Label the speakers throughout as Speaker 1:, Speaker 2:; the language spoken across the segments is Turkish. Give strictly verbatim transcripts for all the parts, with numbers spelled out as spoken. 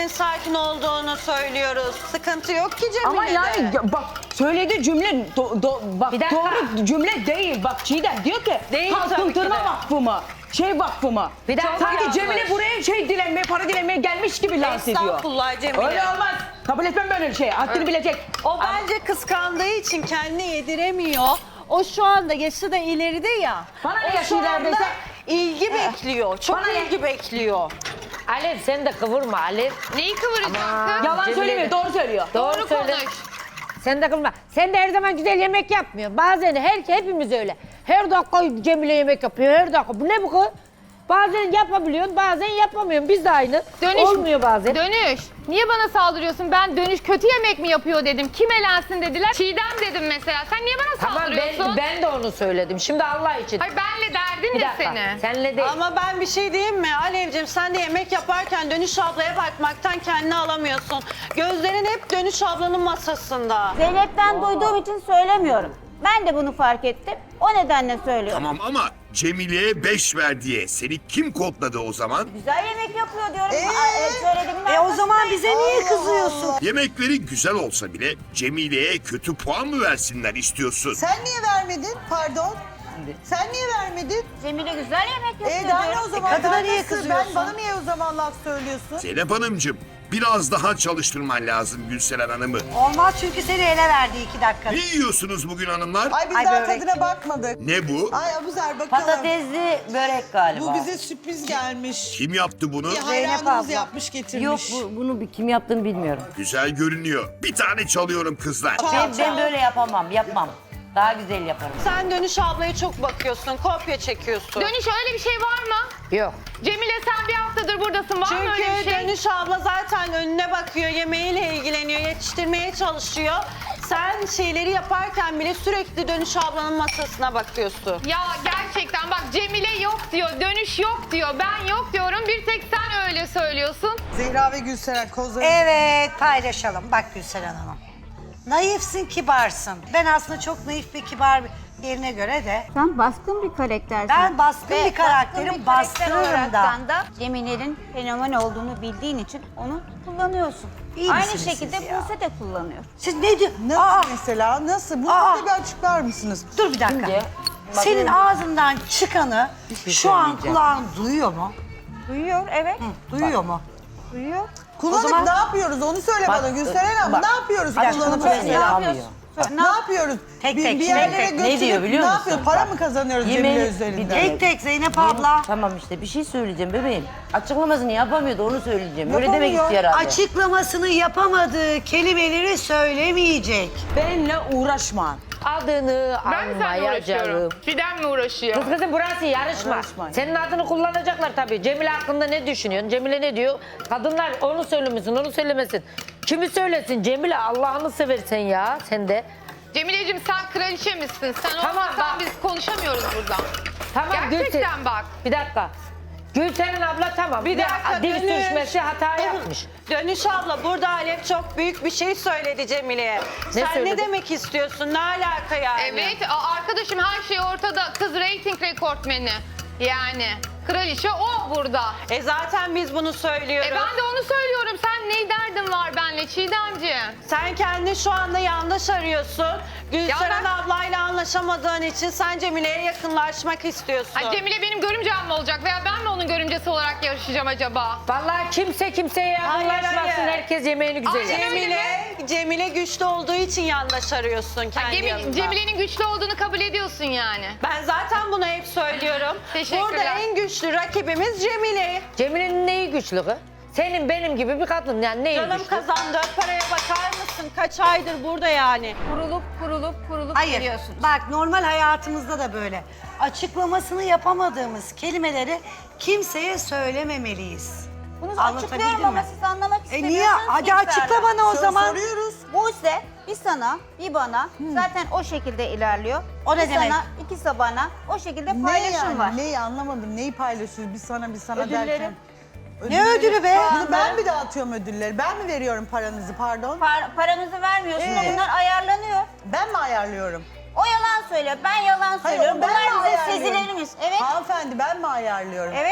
Speaker 1: sakin olduğunu söylüyoruz. Sıkıntı yok ki Cemile'de.
Speaker 2: Ama yani ya bak söylediği cümle do, do, bak
Speaker 3: Bir dakika.
Speaker 2: doğru cümle değil. Bak Çiğdem diyor ki
Speaker 1: Değil tabii ki
Speaker 2: kalkıntırma
Speaker 1: de.
Speaker 2: vakfı mı? Şey vakfı mı?
Speaker 3: Bir dakika.
Speaker 2: Sanki
Speaker 1: yanlış.
Speaker 2: Cemile buraya şey dilenmeye, para dilenmeye gelmiş gibi lanse ediyor.
Speaker 1: Estağfurullah Cemile.
Speaker 2: Öyle olmaz. Kabul etmem böyle bir şey. Haddini bilecek.
Speaker 1: O bence kıskandığı için kendini yediremiyor. O şu anda yaşı da ileride ya.
Speaker 2: Bana ne
Speaker 1: O
Speaker 2: yaşı
Speaker 1: şu anda
Speaker 2: ilerideyse?
Speaker 1: ilgi bekliyor. Çok
Speaker 2: Bana ne?
Speaker 1: ilgi bekliyor.
Speaker 3: Alev sen de kıvırma Alev.
Speaker 4: Neyi kıvıracağım kız?
Speaker 2: Yalan
Speaker 3: Cemile
Speaker 2: söylemiyor,
Speaker 3: de-
Speaker 2: doğru söylüyor.
Speaker 3: Doğru,
Speaker 4: Doğru
Speaker 3: söyle.
Speaker 4: konuş.
Speaker 3: Sen de kıvırma. Sen de her zaman güzel yemek yapmıyor. Bazen her hepimiz öyle. Her dakika Cemile yemek yapıyor. Her dakika. Bu ne bu kız? Bazen yapabiliyorsun, bazen yapamıyorsun. Biz de aynı.
Speaker 4: Dönüş,
Speaker 3: Olmuyor bazen.
Speaker 4: Dönüş. Niye bana saldırıyorsun? Ben dönüş kötü yemek mi yapıyor dedim. Kim elensin dediler. Çiğdem dedim mesela. Sen niye bana
Speaker 3: Tamam
Speaker 4: saldırıyorsun?
Speaker 3: ben, ben de onu söyledim. Şimdi Allah için.
Speaker 4: Hayır benle derdin
Speaker 3: Bir
Speaker 4: ne
Speaker 3: dakika.
Speaker 4: seni?
Speaker 3: Senle değil.
Speaker 1: Ama ben bir şey diyeyim mi Alevciğim, sen de yemek yaparken Dönüş ablaya bakmaktan kendini alamıyorsun. Gözlerin hep Dönüş ablanın masasında.
Speaker 5: Zeynep'ten duyduğum için söylemiyorum. Ben de bunu fark ettim. O nedenle söylüyorum.
Speaker 6: Tamam ama Cemile'ye beş ver diye seni kim kodladı o zaman?
Speaker 5: Güzel yemek yapıyor diyorum. Aa, evet, söylediğimin
Speaker 7: E o zaman
Speaker 5: arkasındayım.
Speaker 7: bize niye kızıyorsun?
Speaker 6: Yemekleri güzel olsa bile Cemile'ye kötü puan mı versinler istiyorsun?
Speaker 7: Sen niye vermedin? Pardon. Sen niye vermedin?
Speaker 5: Cemile güzel yemek yapıyor
Speaker 7: E daha ne
Speaker 5: diyorum.
Speaker 7: o zaman?
Speaker 8: kadına
Speaker 7: Ben
Speaker 8: niye
Speaker 7: nasıl-
Speaker 8: kızıyorsun?
Speaker 7: Ben, bana niye o zaman laf söylüyorsun?
Speaker 6: Zeynep Hanımcığım biraz daha çalıştırman lazım Gülseren Hanım'ı.
Speaker 8: Olmaz çünkü seni ele verdi iki dakika.
Speaker 6: Ne yiyorsunuz bugün hanımlar?
Speaker 7: Ay biz
Speaker 8: Ay,
Speaker 7: daha
Speaker 8: börek.
Speaker 7: tadına bakmadık.
Speaker 6: Ne bu?
Speaker 7: Ay Abuzer bakalım.
Speaker 9: Patatesli börek galiba.
Speaker 7: Bu bize sürpriz gelmiş.
Speaker 6: Kim yaptı bunu?
Speaker 7: Bir
Speaker 8: Zeynep
Speaker 7: hayranımız
Speaker 8: abla.
Speaker 7: yapmış getirmiş.
Speaker 9: Yok bu, bunu bir- kim yaptığını bilmiyorum.
Speaker 6: Güzel görünüyor. Bir tane çalıyorum kızlar.
Speaker 9: Ben, ben böyle yapamam, yapmam. Daha güzel yaparım.
Speaker 1: Sen Dönüş ablaya çok bakıyorsun, kopya çekiyorsun.
Speaker 4: Dönüş öyle bir şey var mı?
Speaker 3: Yok.
Speaker 4: Cemile sen bir haftadır buradasın. Var mı öyle bir
Speaker 1: Çünkü
Speaker 4: şey?
Speaker 1: Dönüş abla zaten önüne bakıyor, yemeğiyle ilgileniyor, yetiştirmeye çalışıyor. Sen şeyleri yaparken bile sürekli Dönüş ablanın masasına bakıyorsun.
Speaker 4: Ya gerçekten bak Cemile yok diyor, dönüş yok diyor, ben yok diyorum. Bir tek sen öyle söylüyorsun.
Speaker 7: Zehra ve Gülseren kozları.
Speaker 8: Evet paylaşalım. Bak Gülseren Hanım. Naifsin, kibarsın. Ben aslında çok naif ve kibar birine göre de
Speaker 5: Sen baskın bir karaktersin.
Speaker 8: Ben baskın
Speaker 5: Ve
Speaker 8: bir karakterim,
Speaker 5: baskın bir karakter
Speaker 8: bastırırım
Speaker 5: olaraktan
Speaker 8: da.
Speaker 5: da Cemile'nin fenomen olduğunu bildiğin için onu kullanıyorsun.
Speaker 8: İyi
Speaker 5: Aynı
Speaker 8: misiniz
Speaker 5: şekilde
Speaker 8: siz ya?
Speaker 5: Buse de kullanıyor.
Speaker 8: siz ne diyor?
Speaker 7: Nasıl
Speaker 8: Aa,
Speaker 7: mesela? Nasıl? Bunu
Speaker 8: Aa.
Speaker 7: da bir açıklar mısınız?
Speaker 8: dur bir dakika.
Speaker 3: Şimdi,
Speaker 8: Senin ağzından çıkanı
Speaker 3: şey
Speaker 8: şu an
Speaker 3: söyleyeceğim.
Speaker 8: kulağın duyuyor mu?
Speaker 5: Duyuyor, evet.
Speaker 8: Duyuyor mu?
Speaker 5: Duyuyor.
Speaker 7: Kullanıp
Speaker 8: O zaman-
Speaker 7: ne yapıyoruz? Onu söyle
Speaker 3: Bak,
Speaker 7: bana Gülseren abla.
Speaker 3: bak.
Speaker 7: Ne yapıyoruz
Speaker 8: dakika,
Speaker 7: kullanıp
Speaker 8: bak,
Speaker 7: öyle?
Speaker 8: ne
Speaker 3: yapıyorsun?
Speaker 7: Ne yapıyoruz?
Speaker 8: Tek
Speaker 7: bir,
Speaker 8: tek,
Speaker 7: bir
Speaker 8: tek
Speaker 7: yerlere
Speaker 8: tek.
Speaker 7: götürüp
Speaker 9: Ne diyor biliyor
Speaker 7: ne
Speaker 9: musun?
Speaker 7: yapıyoruz? Para
Speaker 9: Bak.
Speaker 7: mı kazanıyoruz
Speaker 9: Yemeği-
Speaker 7: Cemile
Speaker 9: bir
Speaker 7: üzerinden?
Speaker 9: dakika.
Speaker 8: Tek tek Zeynep abla.
Speaker 9: Tamam işte bir şey söyleyeceğim bebeğim. Açıklamasını yapamıyordu onu söyleyeceğim. Öyle
Speaker 7: Yapamıyor.
Speaker 9: demek istiyor herhalde.
Speaker 8: Açıklamasını yapamadığı kelimeleri söylemeyecek.
Speaker 2: Benle uğraşma.
Speaker 3: Adını
Speaker 4: Ben mi seninle uğraşıyorum?
Speaker 3: almayacağım.
Speaker 4: Çiğdem mi uğraşıyor?
Speaker 3: Kız kızım burası yarışma.
Speaker 2: Yarışma.
Speaker 3: Senin adını kullanacaklar tabii. Cemile hakkında ne düşünüyorsun? Cemile ne diyor? Kadınlar onu söylemesin, onu söylemesin. Kimi söylesin? Cemile Allah'ını seversen ya sen de.
Speaker 4: Cemile'cim sen kraliçe misin? Sen
Speaker 3: Tamam,
Speaker 4: olmazsan
Speaker 3: bak.
Speaker 4: biz konuşamıyoruz burada.
Speaker 3: Tamam
Speaker 4: Gerçekten
Speaker 3: Gülsen-
Speaker 4: bak.
Speaker 3: Bir dakika. Gülsen'in abla tamam.
Speaker 1: Bir dakika,
Speaker 3: Dil
Speaker 1: Dönüş.
Speaker 3: sürüşmesi hata yapmış.
Speaker 1: Dönüş abla burada Alev çok büyük bir şey söyledi Cemile'ye. Sen
Speaker 3: söyledi?
Speaker 1: ne demek istiyorsun? Ne alaka yani?
Speaker 4: Evet a- arkadaşım her şey ortada. Kız reyting rekortmeni. Yani kraliçe o burada.
Speaker 1: E zaten biz bunu söylüyoruz.
Speaker 4: E ben de onu söylüyorum. Sen ne derdin var benle Çiğdemciğim?
Speaker 1: Sen kendini şu anda yanlış arıyorsun. Gülseren
Speaker 4: Ya
Speaker 1: ablayla anlaşamadığın için sen Cemile'ye yakınlaşmak istiyorsun.
Speaker 4: Ay Cemile benim görümcem mi olacak veya ben mi onun görümcesi olarak yarışacağım acaba?
Speaker 3: Vallahi kimse kimseye
Speaker 1: Hayır,
Speaker 3: yakınlaşmasın.
Speaker 1: hayır.
Speaker 3: Herkes yemeğini güzel
Speaker 4: Aynen
Speaker 3: yer.
Speaker 4: öyle.
Speaker 1: Cemile, Cemile güçlü olduğu için yandaş arıyorsun kendi
Speaker 4: Cemil-
Speaker 1: yanında.
Speaker 4: Cemile'nin güçlü olduğunu kabul ediyorsun yani.
Speaker 1: Ben zaten bunu hep söylüyorum.
Speaker 4: Teşekkürler.
Speaker 1: Burada en güçlü rakibimiz Cemile.
Speaker 3: Cemile'nin neyi güçlü kız? Senin benim gibi bir kadın yani neyi
Speaker 1: Canım
Speaker 3: güçlü?
Speaker 1: kazandığı paraya bakar mısın? Kaç aydır burada yani?
Speaker 4: Kurulup kurulup kurulup
Speaker 8: Hayır.
Speaker 4: geliyorsun.
Speaker 8: Bak normal hayatımızda da böyle. Açıklamasını yapamadığımız kelimeleri kimseye söylememeliyiz.
Speaker 5: Bunu
Speaker 8: Anlatabildim
Speaker 5: açıklıyorum ama
Speaker 8: mi?
Speaker 5: siz anlamak
Speaker 8: E
Speaker 5: istemiyorsunuz.
Speaker 8: niye? Hadi açıkla bana o
Speaker 7: Sor-
Speaker 8: zaman.
Speaker 7: Soruyoruz.
Speaker 5: Buse bir sana bir bana zaten o şekilde ilerliyor.
Speaker 8: O ne
Speaker 5: bir
Speaker 8: demek?
Speaker 5: sana ikisi bana o şekilde
Speaker 7: Ne
Speaker 5: paylaşım
Speaker 7: yani?
Speaker 5: var.
Speaker 7: Neyi anlamadım. Neyi paylaşıyoruz biz sana biz sana
Speaker 5: Ödülleri.
Speaker 7: derken?
Speaker 8: Ne ödülü be?
Speaker 7: Bunu ben mi dağıtıyorum ödülleri? Ben mi veriyorum paranızı pardon?
Speaker 5: Par- paranızı vermiyorsun
Speaker 7: Ee?
Speaker 5: da bunlar ayarlanıyor.
Speaker 7: Ben mi ayarlıyorum?
Speaker 5: O yalan söylüyor, ben yalan
Speaker 7: Hayır,
Speaker 5: söylüyorum.
Speaker 7: ben mi
Speaker 5: Bunlar bizim
Speaker 7: ayarlıyorum?
Speaker 5: sezilerimiz. Evet.
Speaker 7: Hanımefendi ben mi ayarlıyorum?
Speaker 5: Evet.
Speaker 7: ha?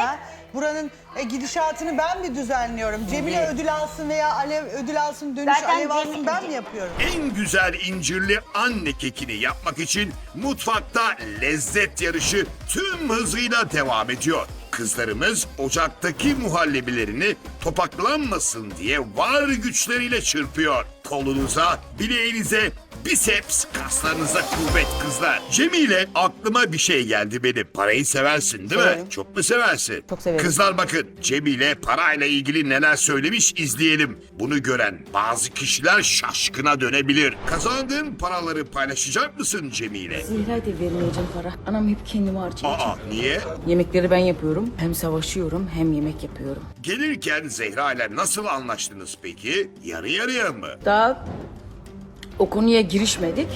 Speaker 7: buranın e, gidişatını ben mi düzenliyorum? Cemile ödül alsın veya Alev ödül alsın, dönüş
Speaker 5: Zaten
Speaker 7: Alev alsın
Speaker 5: Cemile-
Speaker 7: ben mi yapıyorum?
Speaker 6: En güzel incirli anne kekini yapmak için mutfakta lezzet yarışı tüm hızıyla devam ediyor. Kızlarımız ocaktaki muhallebilerini topaklanmasın diye var güçleriyle çırpıyor. Kolunuza, bileğinize, biceps kaslarınıza kuvvet kızlar. Cemile, aklıma bir şey geldi benim. Parayı seversin değil mi?
Speaker 2: Severim.
Speaker 6: Çok mu seversin?
Speaker 2: Çok severim.
Speaker 6: Kızlar bakın, Cemile parayla ilgili neler söylemiş izleyelim. Bunu gören bazı kişiler şaşkına dönebilir. Kazandığın paraları paylaşacak mısın Cemile?
Speaker 2: Zehra'ya da vermeyeceğim para. Anam hep kendimi harcayacak.
Speaker 6: Aa, niye?
Speaker 2: Yemekleri ben yapıyorum. Hem savaşıyorum hem yemek yapıyorum.
Speaker 6: Gelirken Zehra ile nasıl anlaştınız peki? Yarı yarıya mı?
Speaker 2: Daha o konuya girişmedik.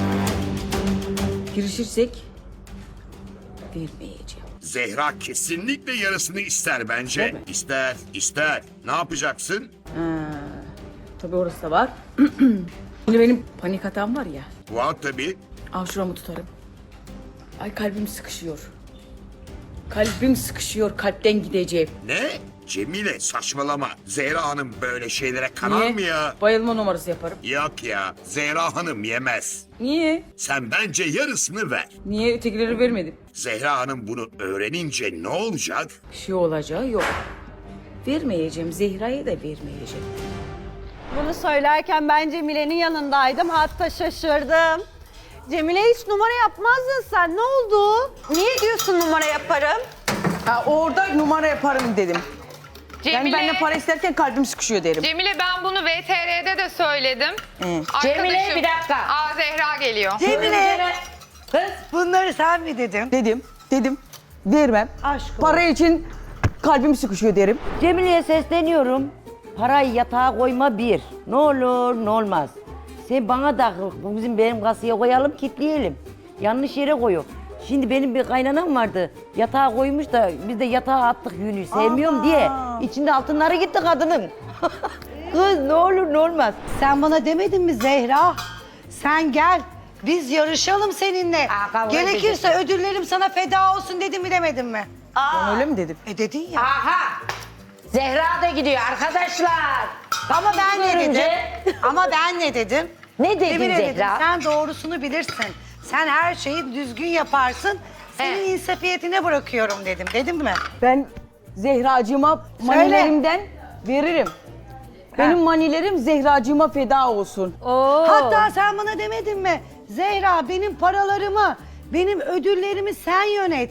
Speaker 2: Girişirsek vermeyeceğim.
Speaker 6: Zehra kesinlikle yarısını ister bence.
Speaker 2: Değil mi?
Speaker 6: İster, ister. Ne yapacaksın?
Speaker 2: Tabii orası da var. Şimdi benim panik hatam var ya.
Speaker 6: Var tabii.
Speaker 2: Al şuramı tutarım. Ay kalbim sıkışıyor. Kalbim sıkışıyor. Kalpten gideceğim.
Speaker 6: Ne? Cemile saçmalama. Zehra Hanım böyle şeylere kanar mı ya?
Speaker 2: Bayılma numarası yaparım.
Speaker 6: Yok ya. Zehra Hanım yemez.
Speaker 2: Niye?
Speaker 6: Sen bence yarısını ver.
Speaker 2: Niye ötekileri vermedim?
Speaker 6: Zehra Hanım bunu öğrenince ne olacak?
Speaker 2: Bir şey olacağı yok. Vermeyeceğim. Zehra'ya da vermeyeceğim.
Speaker 1: Bunu söylerken ben Cemile'nin yanındaydım. Hatta şaşırdım. Cemile hiç numara yapmazdın sen. Ne oldu? Niye diyorsun numara yaparım?
Speaker 2: Ha, orada numara yaparım dedim. Yani
Speaker 4: Cemile,
Speaker 2: benimle para isterken kalbim sıkışıyor derim.
Speaker 4: Cemile ben bunu V T R'de de söyledim. Arkadaşım,
Speaker 3: Cemile, bir dakika.
Speaker 4: Aa Zehra geliyor.
Speaker 8: Cemile
Speaker 3: Kız
Speaker 8: bunları sen mi dedin?
Speaker 2: Dedim, dedim. Vermem.
Speaker 8: Aşk olsun.
Speaker 2: Para için kalbim sıkışıyor derim.
Speaker 9: Cemile'ye sesleniyorum. Parayı yatağa koyma bir. Ne olur ne olmaz. Sen bana da bu bizim benim kasaya koyalım kilitleyelim. Yanlış yere koyuyor. Şimdi benim bir kaynanam vardı. Yatağa koymuş da biz de yatağa attık yünü sevmiyorum diye. İçinde altınları gitti kadının. Kız ne olur ne olmaz.
Speaker 8: Sen bana demedin mi Zehra? Sen gel. Biz yarışalım seninle.
Speaker 3: Aa, kavga
Speaker 8: Gerekirse ödüllerim sana feda olsun dedim mi demedin mi?
Speaker 2: Ben öyle mi dedim?
Speaker 8: E dedin ya.
Speaker 3: aha. Zehra da gidiyor arkadaşlar.
Speaker 8: Ama ben ne dedim?
Speaker 3: Görünce-
Speaker 8: Ama ben ne dedim?
Speaker 3: Ne dedin
Speaker 8: Emine dedim,
Speaker 3: Zehra?
Speaker 8: sen doğrusunu bilirsin. Sen her şeyi düzgün yaparsın. Senin insafiyetine bırakıyorum dedim. Dedim mi?
Speaker 2: Ben Zehracığıma manilerimden veririm. Benim manilerim Zehracığıma feda olsun.
Speaker 8: Hatta sen bana demedin mi? Zehra benim paralarımı, benim ödüllerimi sen yönet.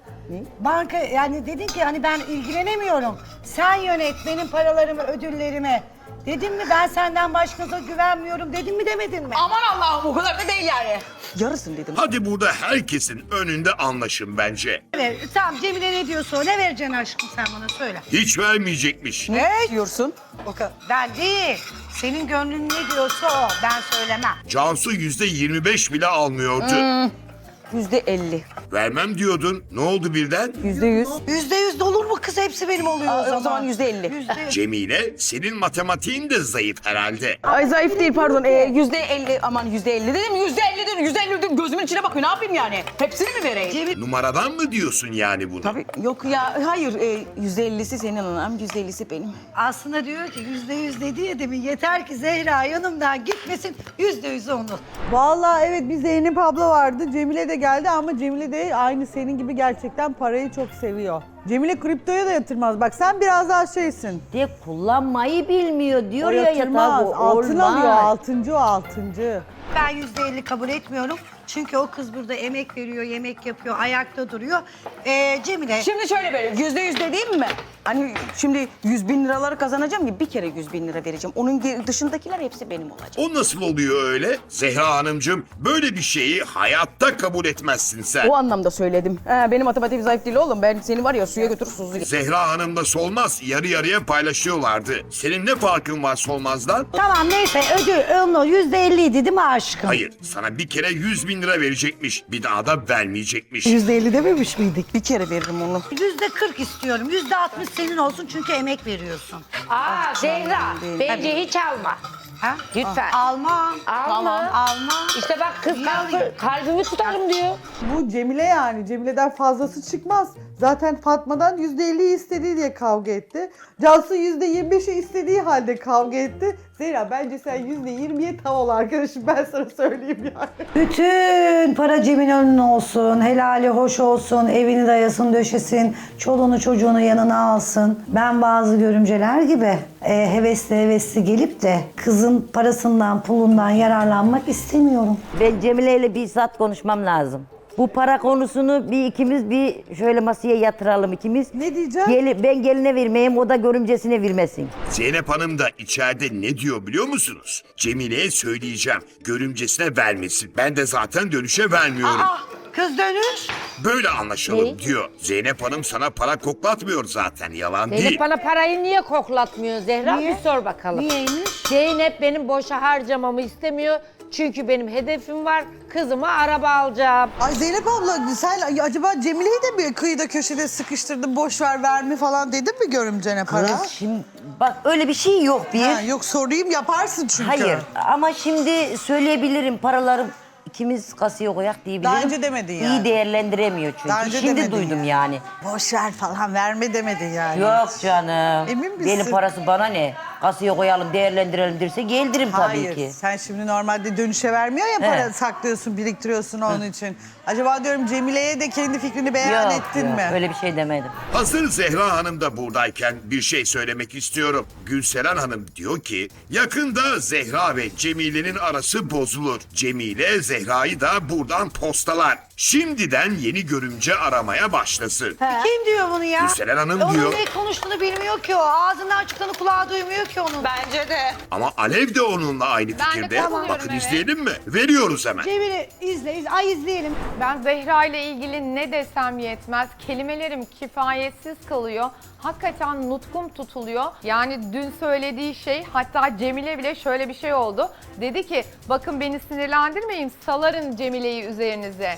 Speaker 8: Banka yani dedin ki hani ben ilgilenemiyorum. Sen yönet benim paralarımı, ödüllerimi. Dedim mi ben senden başkasına güvenmiyorum dedim mi demedin mi?
Speaker 2: Aman Allah'ım o kadar da değil yani. Yarısın dedim.
Speaker 6: Hadi burada herkesin önünde anlaşın bence.
Speaker 8: Evet, tamam Cemile ne diyorsa o. Ne vereceksin aşkım sen bana söyle.
Speaker 6: Hiç vermeyecekmiş.
Speaker 2: Ne diyorsun?
Speaker 8: O kadar. Ben değil. Senin gönlün ne diyorsa o. Ben söylemem.
Speaker 6: Cansu yüzde yirmi beş bile almıyordu.
Speaker 2: Yüzde elli.
Speaker 6: Vermem diyordun. Ne oldu birden?
Speaker 2: Yüzde yüz.
Speaker 8: Yüzde yüz de olur mu kız? Hepsi benim oluyor
Speaker 2: Aa,
Speaker 8: o zaman.
Speaker 2: o zaman yüzde elli.
Speaker 8: Yüzde
Speaker 6: Cemile, senin matematiğin de zayıf herhalde.
Speaker 2: Ay zayıf değil pardon. Ee, yüzde elli aman yüzde elli dedim. Yüzde elli dedim. Yüzde elli dedim. Gözümün içine bakıyor. Ne yapayım yani? Hepsini mi vereyim?
Speaker 6: Numaradan mı diyorsun yani bunu?
Speaker 2: Tabii yok ya. Hayır. E, yüzde ellisi senin anam. Yüzde ellisi benim.
Speaker 8: Aslında diyor ki yüzde yüz dedi ya demin. Yeter ki Zehra yanımdan gitmesin. Yüzde yüz onun.
Speaker 7: Vallahi evet bir Zeynep abla vardı. Cemile de geldi ama Cemile de aynı senin gibi gerçekten parayı çok seviyor. Cemile kriptoya da yatırmaz. Bak sen biraz daha şeysin.
Speaker 9: De kullanmayı bilmiyor diyor
Speaker 7: O
Speaker 9: ya
Speaker 7: yatırmaz.
Speaker 9: yatağa. bu
Speaker 7: Altın
Speaker 9: olmaz.
Speaker 7: alıyor. Altıncı o altıncı.
Speaker 8: Ben yüzde elli kabul etmiyorum. Çünkü o kız burada emek veriyor, yemek yapıyor, ayakta duruyor. Ee, Cemile.
Speaker 2: Şimdi şöyle böyle yüzde yüz dediğim mi? Hani şimdi yüz bin liraları kazanacağım ki bir kere yüz bin lira vereceğim. Onun ge- dışındakiler hepsi benim olacak.
Speaker 6: O nasıl oluyor öyle? Zehra Hanımcığım, böyle bir şeyi hayatta kabul etmezsin sen.
Speaker 2: O anlamda söyledim. He, benim matematiğim zayıf değil oğlum. Ben seni var ya suya götürür suzuyor.
Speaker 6: Zehra Hanım'la Solmaz yarı yarıya paylaşıyorlardı. Senin ne farkın var Solmaz'dan?
Speaker 8: Tamam neyse ödül onun yüzde elliydi değil mi aşkım?
Speaker 6: Hayır, sana bir kere yüz bin lira verecekmiş. Bir daha da vermeyecekmiş.
Speaker 8: yüzde elli dememiş miydik?
Speaker 2: Bir kere veririm onu.
Speaker 8: Yüzde kırk istiyorum. Yüzde altmış senin olsun çünkü emek veriyorsun.
Speaker 3: Aa Zehra bence hiç alma.
Speaker 8: Ha?
Speaker 3: Lütfen.
Speaker 8: Alma.
Speaker 3: Alma.
Speaker 8: Alma.
Speaker 3: İşte bak kız kalbi, kalbimi tutarım diyor.
Speaker 7: Bu Cemile yani. Cemile'den fazlası çıkmaz. Zaten Fatma'dan yüzde elliyi istediği diye kavga etti. Cansu yüzde yirmi beşi istediği halde kavga etti. Zehra bence sen yüzde yirmiye tav ol arkadaşım, ben sana söyleyeyim yani.
Speaker 8: Bütün para Cemile'nin olsun, helali hoş olsun, evini dayasın döşesin, çoluğunu çocuğunu yanına alsın. Ben bazı görümceler gibi e, hevesli hevesli gelip de kızın parasından, pulundan yararlanmak istemiyorum.
Speaker 9: Ben Cemile ile bizzat konuşmam lazım. Bu para konusunu bir ikimiz bir şöyle masaya yatıralım ikimiz.
Speaker 7: Ne diyeceğim?
Speaker 9: Gel, ben geline vermeyeyim, o da görümcesine vermesin.
Speaker 6: Zeynep Hanım da içeride ne diyor biliyor musunuz? Cemile'ye söyleyeceğim, görümcesine vermesin. Ben de zaten dönüşe vermiyorum.
Speaker 8: Aa, kız dönüş.
Speaker 6: Böyle anlaşalım
Speaker 3: Ne?
Speaker 6: diyor. Zeynep Hanım sana para koklatmıyor zaten, yalan
Speaker 3: Zeynep
Speaker 6: değil.
Speaker 3: bana parayı niye koklatmıyor Zehra?
Speaker 8: Niye?
Speaker 3: Bir sor bakalım.
Speaker 8: Niyeymiş?
Speaker 3: Zeynep benim boşa harcamamı istemiyor. Çünkü benim hedefim var. Kızıma araba alacağım.
Speaker 7: Ay Zeynep abla sen acaba Cemile'yi de bir kıyıda köşede sıkıştırdın, boş ver verme falan dedin mi görümcene para?
Speaker 9: Kız şimdi bak öyle bir şey yok bir.
Speaker 7: Ha, yok sorayım, yaparsın çünkü.
Speaker 9: Hayır ama şimdi söyleyebilirim paralarım ikimiz kasaya koyak diyebilirim.
Speaker 7: Daha önce demedin yani.
Speaker 9: İyi değerlendiremiyor çünkü.
Speaker 7: Daha önce
Speaker 9: Şimdi
Speaker 7: demedin
Speaker 9: duydum
Speaker 7: yani.
Speaker 9: yani.
Speaker 7: Boş ver falan verme demedin yani.
Speaker 9: Yok canım.
Speaker 7: Emin misin?
Speaker 9: Benim parası bana ne? Kasaya koyalım, değerlendirelim derse geldirim tabii
Speaker 7: Hayır,
Speaker 9: ki.
Speaker 7: sen şimdi normalde dönüşe vermiyor ya, para
Speaker 9: He.
Speaker 7: saklıyorsun, biriktiriyorsun onun için. Acaba diyorum Cemile'ye de kendi fikrini beyan
Speaker 9: Yok,
Speaker 7: ettin
Speaker 9: yok,
Speaker 7: mi?
Speaker 9: öyle bir şey demedim.
Speaker 6: Hazır Zehra Hanım da buradayken bir şey söylemek istiyorum. Gülseren Hanım diyor ki yakında Zehra ve Cemile'nin arası bozulur. Cemile Zehra'yı da buradan postalar. Şimdiden yeni görümce aramaya başlasın.
Speaker 8: Kim diyor bunu ya?
Speaker 6: Gülseren Hanım
Speaker 8: Onun
Speaker 6: diyor.
Speaker 8: ne konuştuğunu bilmiyor ki o. Ağzından çıkanı kulağı duymuyor ki onun.
Speaker 1: Bence de.
Speaker 6: Ama Alev de onunla aynı
Speaker 4: de
Speaker 6: fikirde.
Speaker 4: katılıyorum,
Speaker 6: Bakın
Speaker 4: evet.
Speaker 6: izleyelim mi? Veriyoruz hemen.
Speaker 8: Cemile izle, izle. Ay izleyelim.
Speaker 4: Ben Zehra ile ilgili ne desem yetmez. Kelimelerim kifayetsiz kalıyor. Hakikaten nutkum tutuluyor. Yani dün söylediği şey, hatta Cemile bile şöyle bir şey oldu. Dedi ki bakın beni sinirlendirmeyin, salarım Cemile'yi üzerinize.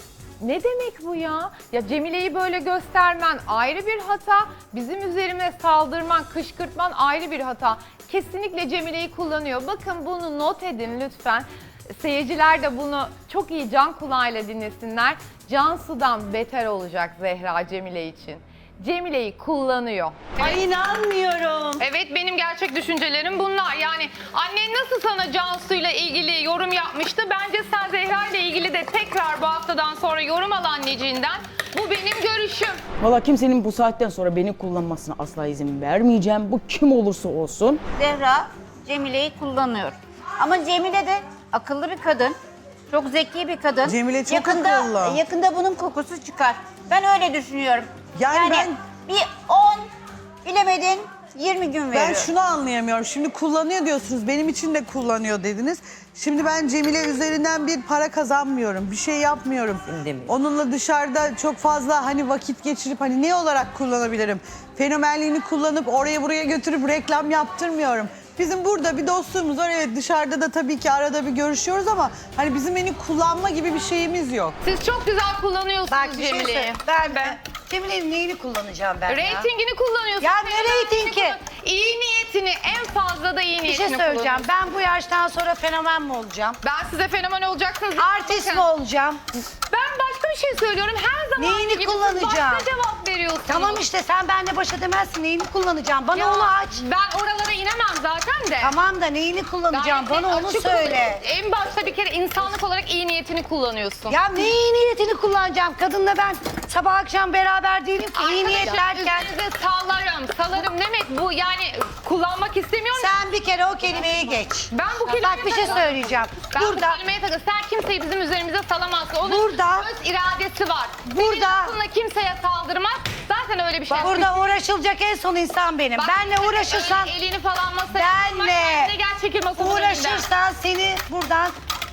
Speaker 4: Ne demek bu ya? Ya Cemile'yi böyle göstermen ayrı bir hata. Bizim üzerime saldırman, kışkırtman ayrı bir hata. Kesinlikle Cemile'yi kullanıyor. Bakın bunu not edin lütfen. Seyirciler de bunu çok iyi can kulağıyla dinlesinler. Cansu'dan beter olacak Zehra Cemile için. Cemile'yi kullanıyor.
Speaker 1: Ay inanmıyorum.
Speaker 4: Evet, benim gerçek düşüncelerim bunlar. Yani annen nasıl sana Cansu'yla ilgili yorum yapmıştı? Bence sen Zehra ile ilgili de tekrar bu haftadan sonra yorum al anneciğinden. Bu benim görüşüm.
Speaker 2: Valla kimsenin bu saatten sonra beni kullanmasına asla izin vermeyeceğim. Bu kim olursa olsun.
Speaker 5: Zehra Cemile'yi kullanıyor. Ama Cemile de akıllı bir kadın. Çok zeki bir kadın.
Speaker 7: Cemile çok
Speaker 5: yakında,
Speaker 7: akıllı.
Speaker 5: Yakında bunun kokusu çıkar. Ben öyle düşünüyorum.
Speaker 7: Yani ben-
Speaker 5: bir on, bilemedin yirmi gün veriyorum.
Speaker 7: Ben şunu anlayamıyorum. Şimdi kullanıyor diyorsunuz. Benim için de kullanıyor dediniz. Şimdi ben Cemile üzerinden bir para kazanmıyorum. Bir şey yapmıyorum.
Speaker 9: Şimdi mi?
Speaker 7: Onunla dışarıda çok fazla hani vakit geçirip hani ne olarak kullanabilirim? Fenomenliğini kullanıp oraya buraya götürüp reklam yaptırmıyorum. Bizim burada bir dostluğumuz var. Evet, dışarıda da tabii ki arada bir görüşüyoruz ama hani bizim beni kullanma gibi bir şeyimiz yok.
Speaker 4: Siz çok güzel kullanıyorsunuz
Speaker 8: Bak bir şey
Speaker 4: Cemile'yi.
Speaker 8: söyle. Ben, ben Cemile'nin neyini kullanacağım ben ya?
Speaker 4: Reytingini kullanıyorsun.
Speaker 8: Ya ne
Speaker 4: fenomenliğini
Speaker 8: reytingi?
Speaker 4: kullan- İyi niyetini, en fazla da iyi
Speaker 8: Bir
Speaker 4: niyetini
Speaker 8: şey söyleyeceğim.
Speaker 4: kullanıyorsun.
Speaker 8: Ben bu yaştan sonra fenomen mi olacağım?
Speaker 4: Ben size fenomen olacaksınız.
Speaker 8: Artist
Speaker 4: Bakın,
Speaker 8: mi olacağım?
Speaker 4: Ben başka bir şey söylüyorum. Her zaman
Speaker 8: Neyini
Speaker 4: gibi siz
Speaker 8: kullanacağım?
Speaker 4: başka cevap veriyorsunuz.
Speaker 8: Tamam işte sen benimle baş edemezsin. Neyini kullanacağım? Bana
Speaker 4: Ya,
Speaker 8: onu aç.
Speaker 4: Ben oralara inemem zaten de.
Speaker 8: Tamam da neyini kullanacağım?
Speaker 4: Gayet
Speaker 8: Bana onu
Speaker 4: açık
Speaker 8: söyle.
Speaker 4: ol- En başta bir kere insanlık olarak iyi niyetini kullanıyorsun.
Speaker 8: Ya ne iyi niyetini kullanacağım? Kadınla ben sabah akşam beraber değilim ki. İyi niyet
Speaker 4: Arkadaşlar,
Speaker 8: derken
Speaker 4: üzerinize sallarım, salarım demek bu, yani kullanmak istemiyorum.
Speaker 8: sen bir kere o kelimeyi geç.
Speaker 4: Ben bu kelimeye
Speaker 8: Bak bir şey
Speaker 4: takıldım.
Speaker 8: söyleyeceğim.
Speaker 4: Ben
Speaker 8: Burada
Speaker 4: bu kelimeye takıldım. Sen kimseyi bizim üzerimize salamazsın. Onun
Speaker 8: Burada-
Speaker 4: öz iradesi var.
Speaker 8: Burada-
Speaker 4: Senin aklınla kimseye saldırmaz. Zaten öyle bir şey.
Speaker 8: burada uğraşılacak en son insan benim.
Speaker 4: Bak,
Speaker 8: Benle uğraşırsan,
Speaker 4: öyle elini falan masaya
Speaker 8: benle
Speaker 4: koyma, gel çekil masanın önünden.
Speaker 8: uğraşırsan seni buradan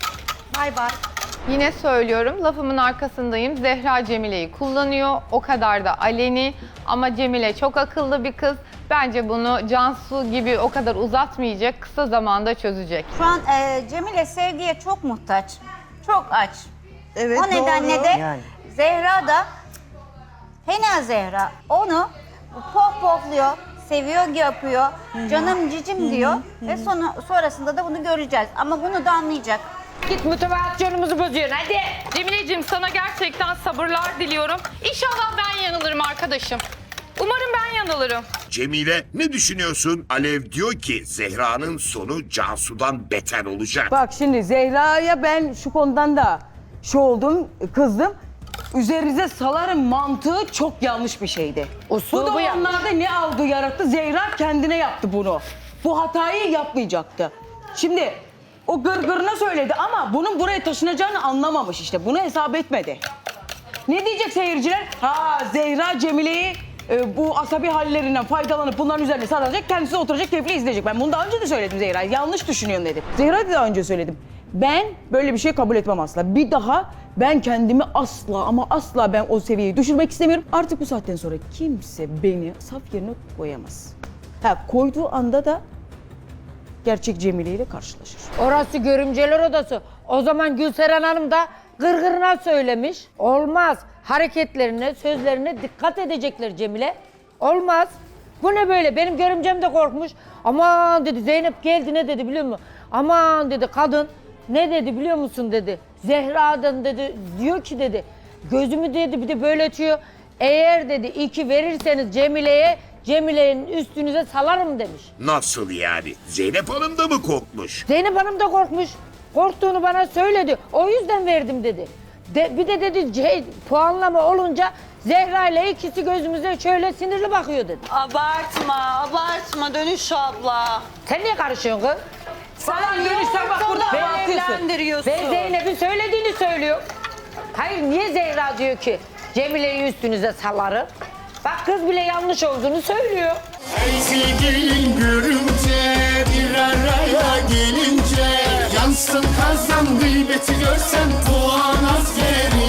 Speaker 8: bay bay.
Speaker 4: Yine söylüyorum, lafımın arkasındayım. Zehra Cemile'yi kullanıyor. O kadar da aleni. Ama Cemile çok akıllı bir kız. Bence bunu Cansu gibi o kadar uzatmayacak. Kısa zamanda çözecek.
Speaker 5: Şu an e, Cemile sevgiye çok muhtaç. Çok aç.
Speaker 7: Evet,
Speaker 5: o nedenle
Speaker 7: doğru.
Speaker 5: de
Speaker 9: Yani.
Speaker 5: Zehra da fena Zehra onu pohpohluyor, seviyor yapıyor. Canım cicim diyor. Ve sonra, sonrasında da bunu göreceğiz. Ama bunu da anlayacak.
Speaker 3: Git motivasyonumuzu bozuyorsun hadi.
Speaker 4: Cemileciğim sana gerçekten sabırlar diliyorum. İnşallah ben yanılırım arkadaşım. Umarım ben yanılırım.
Speaker 6: Cemile ne düşünüyorsun? Alev diyor ki Zehra'nın sonu Cansu'dan beter olacak.
Speaker 2: Bak şimdi Zehra'ya ben şu konudan da şu oldum, kızdım. Üzerinize salarım mantığı çok yanlış bir şeydi.
Speaker 3: Usulü
Speaker 2: Bu da
Speaker 3: yanlış.
Speaker 2: onlarda ne algı yarattı? Zehra kendine yaptı bunu. Bu hatayı yapmayacaktı. Şimdi o gırgırına söyledi ama bunun buraya taşınacağını anlamamış işte. Bunu hesap etmedi. Ne diyecek seyirciler? Ha Zehra Cemile'yi e, bu asabi hallerinden faydalanıp bunların üzerine sarılacak. Kendisi oturacak keyifli izleyecek. Ben bunu daha önce de söyledim Zehra. Yanlış düşünüyorsun dedim. Zehra da daha önce söyledim. Ben böyle bir şey kabul etmem asla. Bir daha ben kendimi asla ama asla ben o seviyeyi düşürmek istemiyorum. Artık bu saatten sonra kimse beni saf yerine koyamaz. Ha koyduğu anda da gerçek Cemile ile karşılaşır.
Speaker 3: Orası görümceler odası. O zaman Gülseren Hanım da gırgırına söylemiş. Olmaz. Hareketlerine, sözlerine dikkat edecekler Cemile. Olmaz. Bu ne böyle? Benim görümcem de korkmuş. Aman dedi Zeynep geldi ne dedi biliyor musun? Aman dedi kadın ne dedi biliyor musun dedi. Zehra'dan dedi diyor ki dedi gözümü dedi bir de böyle açıyor. Eğer dedi iki verirseniz Cemile'ye Cemile'nin üstünüze salarım demiş.
Speaker 6: Nasıl yani? Zeynep Hanım da mı korkmuş?
Speaker 3: Zeynep Hanım da korkmuş. Korktuğunu bana söyledi. O yüzden verdim dedi. De, bir de dedi şey, puanlama olunca Zehra ile ikisi gözümüze şöyle sinirli bakıyor dedi.
Speaker 1: Abartma, abartma Dönüş abla.
Speaker 3: Sen niye karışıyorsun kız?
Speaker 2: Falan dönüşten bak burada
Speaker 1: Beni
Speaker 2: hava atıyorsun.
Speaker 1: evlendiriyorsun.
Speaker 3: Ben Zeynep'in söylediğini söylüyor. Hayır niye Zehra diyor ki Cemile'yi üstünüze salarım? Bak kız bile yanlış olduğunu söylüyor.
Speaker 10: Sevgilin görünce bir araya gelince yansın kazan gıybeti görsen puan askeri